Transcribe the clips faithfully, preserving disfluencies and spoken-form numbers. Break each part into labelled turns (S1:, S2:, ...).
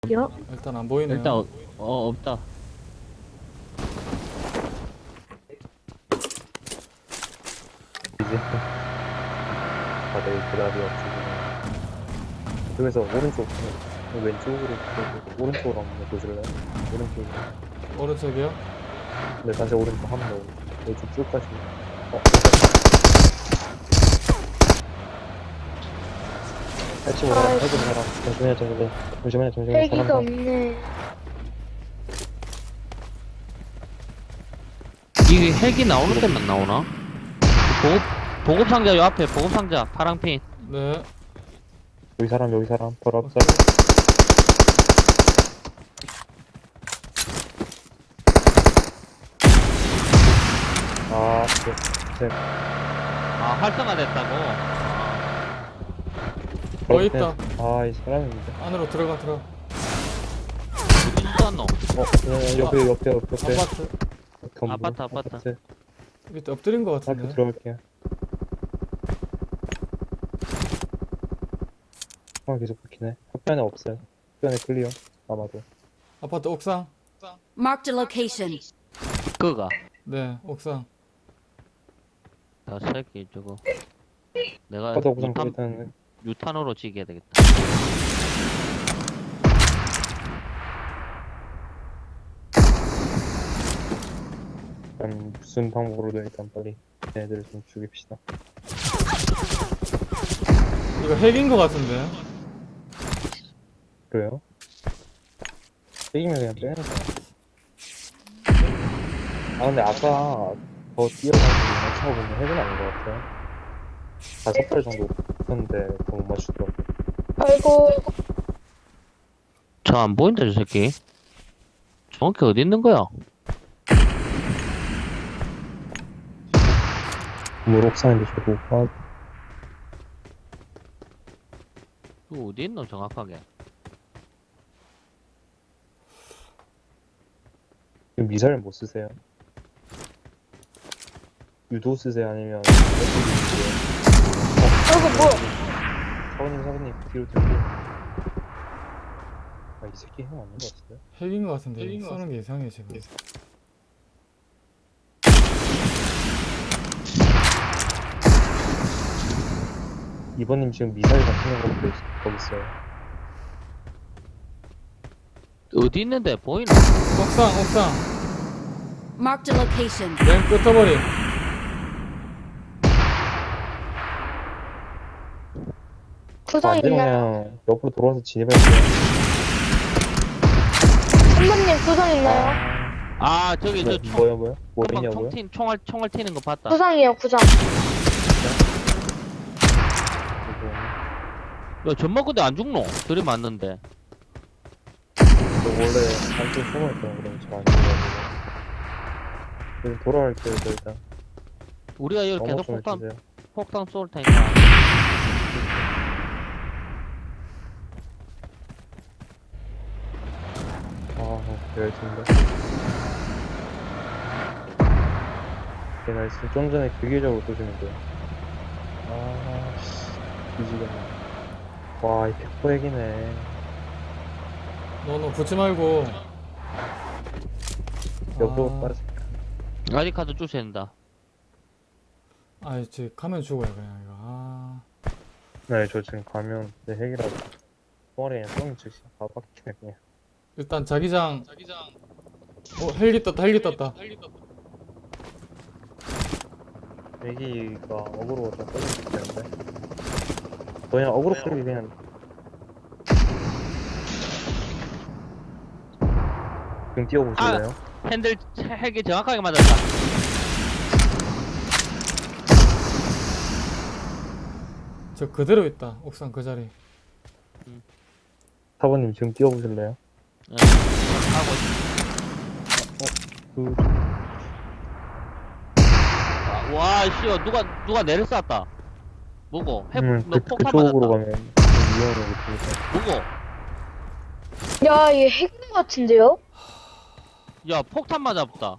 S1: 여?
S2: 일단 안 보이네요.
S3: 일단 어, 어 없다.
S4: 이제 다들 대답이 없으시네. 그래서 오른쪽, 왼쪽으로, 그 오른쪽으로 한번 보실래요? 오른쪽으로.
S2: 오른쪽이요?
S4: 네, 다시 오른쪽 한 번 더. 왼쪽 쭉 가시고. 어, 해치고 사람, 해치고 사람. 잠시만요, 잠시만요. 잠시만요, 잠시만요.
S1: 헬기가
S4: 사람
S1: 없네.
S3: 이게 헬기 나오는 데만 나오나? 보급 보급 상자 요 앞에 보급 상자 파랑핀.
S2: 네.
S4: 여기 사람, 여기 사람. 바로 앞
S2: 오케이.
S4: 사람. 아, 네. 제,
S3: 아 활성화됐다고. 아,
S2: 어, 있다.
S4: 아, 이 사람인데.
S2: 안으로 들어가 들어.
S3: 어디 쏘았노?
S4: 어, 네, 옆에, 옆에, 옆에.
S2: 아파트
S4: 건물,
S3: 아파트, 아파트.
S2: 밑에 엎드린 것
S4: 학교
S2: 같은데.
S4: 들어갈게요. 아, 계속 바뀌네. 학교안에 없어요. 학교안에 클리어. 아마도.
S2: 아파트 옥상.
S5: Marked a location.
S3: 그가
S2: 네, 옥상.
S3: 다 새끼 저거. 내가
S4: 아파트 옥상
S3: 유탄
S4: 일단
S3: 유탄으로 지게 되겠다.
S4: 일단 무슨 방법으로든 일단 빨리 얘네들을 좀 죽입시다.
S2: 이거 핵인 것 같은데.
S4: 그래요? 이기면 그냥 빼는 거야. 아 근데 아까 더 뛰어가지고 맞춰 보면 해은 아닌 것 같아요. 다섯 발 정도 했는데 더 못 맞추더라고.
S1: 아이고,
S3: 저 안 보인다 저 새끼. 정확히 어디 있는 거야?
S4: 물 옥상인데 저거 아,
S3: 그 어디 있노 정확하게?
S4: 지금 미사일 못 쓰세요? 유도 쓰세요? 아니면
S1: 아이고, 뭐야.
S4: 사부님 사부님 뒤로 뒤로 아이 새끼 형 아닌 것 같은데?
S2: 핵인 것 같은데. 쏘는 게 이상해 지금.
S4: 이번님 지금 미사일 같은 거 보고 있- 거기 있어요.
S3: 어디 있는데 보이나?
S2: 옥상, 옥상.
S5: Marked a location.
S2: 맨 끝머리.
S1: 구상
S4: 안 되면
S1: 있나요?
S4: 그냥 옆으로 돌아와서 진입할게요.
S1: 선배님 구상 있나요?
S3: 아 저기
S4: 뭐,
S3: 저 총,
S4: 뭐요 뭐요? 뭐
S3: 금방
S4: 있냐고요?
S3: 총팀 총알 총알 튀는 거 봤다.
S1: 구상이에요, 구상.
S3: 야 전마 근데 안 죽노? 들이 맞는데.
S4: 저 원래 한쪽 숨어있던 그럼 잘안 죽어가지고 그럼 돌아갈게요 저 일단.
S3: 우리가 여기
S4: 어머
S3: 계속
S4: 좀
S3: 폭탄
S4: 해주세요.
S3: 폭탄 쏠 테니까.
S4: 아 열심인데. 네 나이스. 좀 전에 기계적으로 쏘시면 돼요. 아씨 뒤지겠네. 와이 백퍼 핵이네.
S2: 너너 붙지 말고.
S4: 옆으로
S2: 아,
S4: 빠지.
S3: 아직 카드 주셔야 된다.
S2: 아, 이제 가면 죽어요 그냥 이거. 아,
S4: 네 저 지금 가면 내 핵이라고 똥아리 그냥 똥이 즉시 다 박히네 그냥.
S2: 일단 자기장. 어, 헬기 떴다, 헬기 떴다.
S4: 애기가 어그로가 좀 떨어질 텐데. 그냥 어그로 끌기 그냥. 지금 뛰어보실래요?
S3: 핸들 핵이 정확하게 맞았다.
S2: 저 그대로 있다. 옥상 그 자리.
S4: 사부님 지금 뛰어보실래요?
S3: 응. 하고
S4: 그
S3: 있- 와, 씨야 누가 누가 내를 쐈다. 뭐고? 핵,
S4: 음,
S3: 너
S4: 그,
S3: 폭탄
S4: 그쪽으로
S3: 맞았다.
S4: 가면 좀 위험해 그쪽에서.
S3: 뭐고?
S1: 야, 얘 핵인 것 같은데요?
S3: 야, 폭탄 맞았다.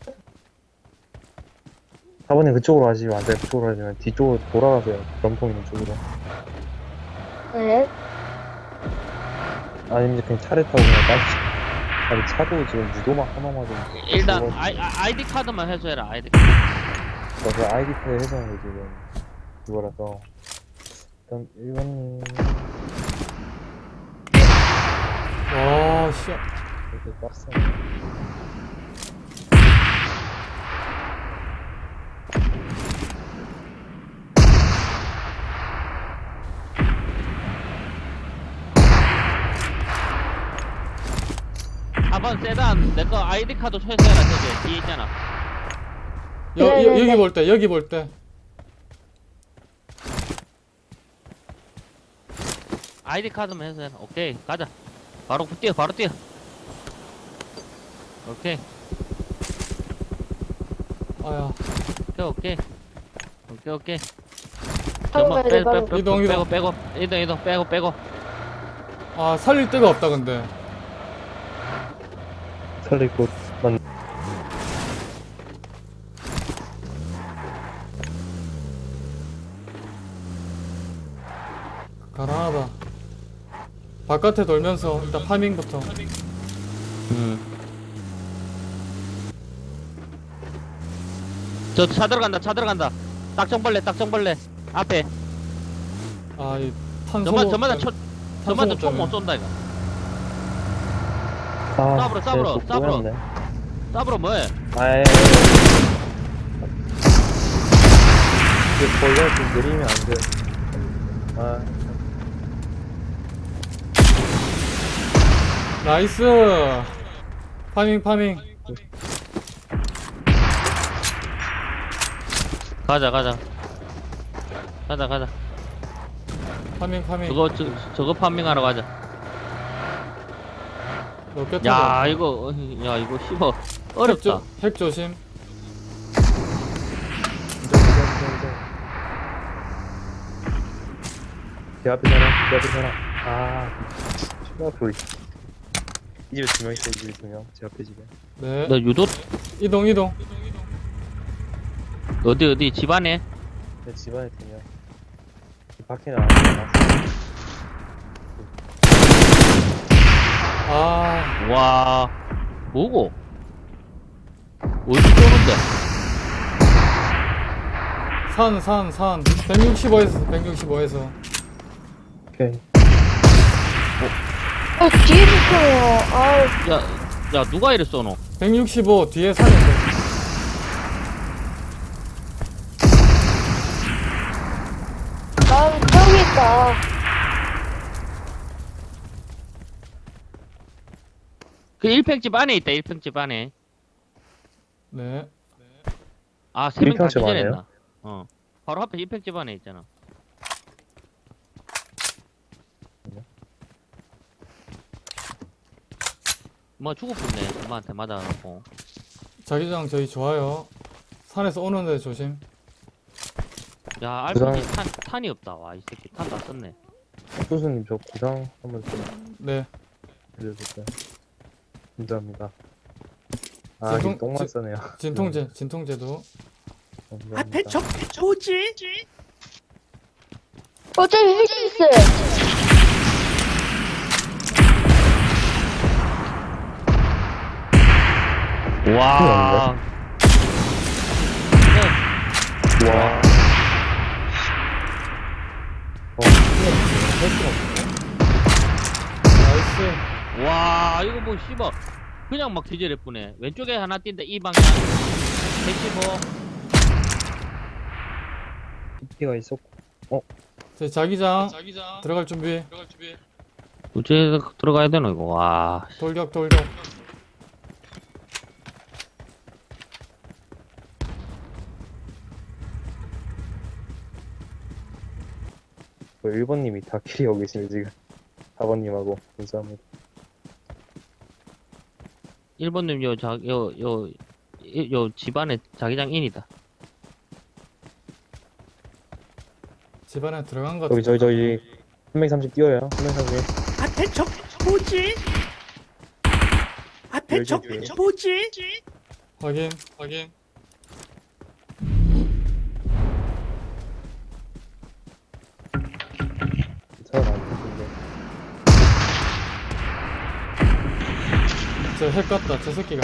S4: 사부님 그쪽으로 가시면 안 돼요. 그쪽으로 가시면 뒤쪽으로 돌아가세요. 점통 있는 쪽으로.
S1: 네.
S4: 아니면 그냥 차를 타고 그냥 빨리. 아니, 차도 지금 무도막 하나만 좀.
S3: 일단
S4: 그거-
S3: 아이, 아, 아이디 카드만 해줘라 아이디 카드.
S4: 그래서 아이디패 해서 지금 그거라서. 일단 일 번님
S2: 와, 씨.
S4: 되게 빡세네.
S3: 사 번 세단 내 거 아이디 카드 초회해라 저기 뒤에 있잖아.
S2: 여,
S1: 네,
S2: 여,
S1: 네,
S2: 여기
S1: 네.
S2: 볼 때, 여기 볼 때.
S3: 아이디 카드만 해서 해라. 오케이 가자. 바로 뛰어 바로 뛰어. 오케이
S2: 아야.
S3: 오케이 오케이 오케이 오케이.
S1: 바로
S3: 잠깐만,
S1: 가야 돼,
S3: 빼,
S1: 바로.
S3: 빼, 빼,
S2: 이동,
S3: 빼고
S2: 이동.
S3: 빼고 이동 이동 빼고 빼고.
S2: 아, 살릴 데가 없다, 근데.
S4: 살릴 곳, 만,
S2: 가난하다. 바깥에 돌면서 일단 파밍부터.
S3: 음. 저 차 들어간다 차 들어간다. 딱정벌레 딱정벌레 앞에.
S2: 아, 이 탄소.
S3: 저만 저마다 쳐 저마다
S2: 탄소
S3: 총못 쏜다 이거.
S4: 아,
S3: 싸브러, 싸브러,
S4: 쟤또
S3: 싸브러.
S4: 꼬였네.
S3: 싸브로 뭐해?
S4: 아이. 이게 벌레 좀 느리면 안 돼. 아,
S2: 나이스. 파밍, 파밍.
S3: 가자 가자 가자 가자.
S2: 파밍, 파밍.
S3: 저거 저, 저거 판밍하러 가자.
S2: 로켓
S3: 야 이거 어, 야 이거 씹어 어렵다.
S2: 핵 조심.
S4: 인정, 인정, 인정, 인정. 제 앞에 사람, 제 앞에 사람. 아, 추가 불. 이 집에 두 명 있어, 이 집에 두 명. 제 앞에 집에.
S2: 네.
S3: 너 유도
S2: 이동, 이동.
S3: 어디 어디 집안에?
S4: 내 집안에 두 명. 이 밖에는 안 나왔어.
S2: 아,
S3: 와 뭐고? 어디 쏘는데?
S2: 산, 산, 산. 백육십오에서, 백육십오에서.
S4: 오케이.
S1: 어, 뒤에 붙어요. 아우,
S3: 야, 야 누가 이래 쏘노?
S2: 백육십오 뒤에 산인데.
S1: 나 저기 있다.
S3: 그 일평집 안에 있다 일평집 안에.
S2: 네.
S3: 아 세 명 다
S4: 일평집 안에요?
S3: 기절했나? 어 바로 앞에 일평집 안에 있잖아. 뭐 죽었겠네 엄마한테 맞아갖고.
S2: 자기장 저희 좋아요. 산에서 오는데 조심.
S3: 야
S4: 구상-
S3: 알피지 탄, 탄이 없다. 와 이 새끼 탄 다 썼네.
S4: 소수님 저 구상 한번 좀
S2: 네.
S4: 알려주세요. 감사합니다. 아,
S2: 진통-
S4: 이게 똥만
S2: 진-
S4: 써네요.
S2: 진통제, 진통제도.
S4: 감사합니다.
S6: 앞에 적 뭐지?
S1: 어차피 헬기 있어요.
S3: 와. 네.
S4: 와. 어,
S2: 나이스.
S3: 와 이거 뭐 씨발 그냥 막 기절했쁘네. 왼쪽에 하나 뛴다 이 방향. 백십오.
S4: 피가 있었고.
S2: 저희 자기장 들어갈 준비.
S3: 어째 들어가야 되나 이거. 와.
S2: 돌격, 돌격.
S4: 뭐 일 번님이 다 캐리하고 계시네, 지금. 사 번님하고. 감사합니다.
S3: 일 번님 요 자 요 요 요 집안에 자기장 인이다.
S2: 집안에 들어간 것
S4: 저기,
S2: 같아.
S4: 저기, 저기. 삼백삼십 뛰어요. 삼백삼십.
S6: 앞에 적 뭐지? 앞에
S4: 열지,
S6: 적
S4: 열지.
S6: 뭐지?
S2: 확인, 확인.
S4: 차가 안 타는데.
S2: 저 핵 같다 저 새끼가.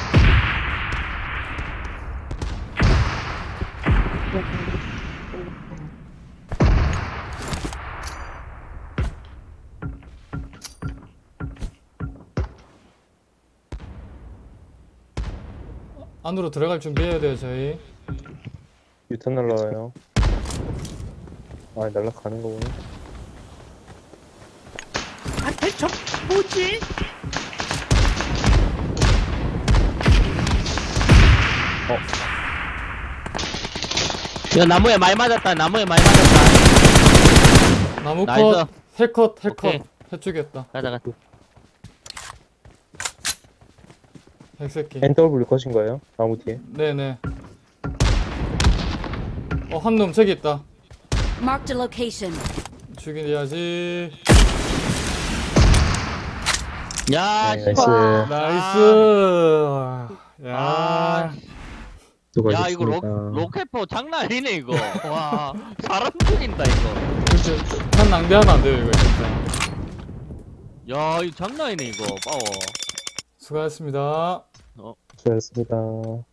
S2: 안으로 들어갈 준비해야 돼요 저희.
S4: 유탄 날라와요. 아, 날라가는 거구나.
S6: 앞에 적 뭐지?
S3: 야 나무에 많이 맞았다. 나무에 많이 맞았다.
S2: 나무
S3: 나이스.
S2: 컷, 해컷,
S3: 오케이.
S2: 해컷, 해주겠다.
S3: 가자 가자.
S2: 핵새끼.
S4: 엔더블 컷인 거예요? 나무 뒤에.
S2: 네네. 어, 한 놈 저기 있다.
S5: Marked a location.
S2: 죽여야지.
S3: 야,
S4: 네,
S3: 씨발.
S4: 나이스.
S2: 나이스. 야.
S3: 아. 야 이거 로,
S4: 수고하셨습니다.
S3: 로켓포 장난 아니네 이거. 와 사람 죽인다 이거.
S2: 진짜 탄 낭비하면 안 돼요 이거 진짜.
S3: 야 이거 장난 아니네 이거. 파워.
S2: 수고하셨습니다.
S3: 어.
S4: 수고하셨습니다.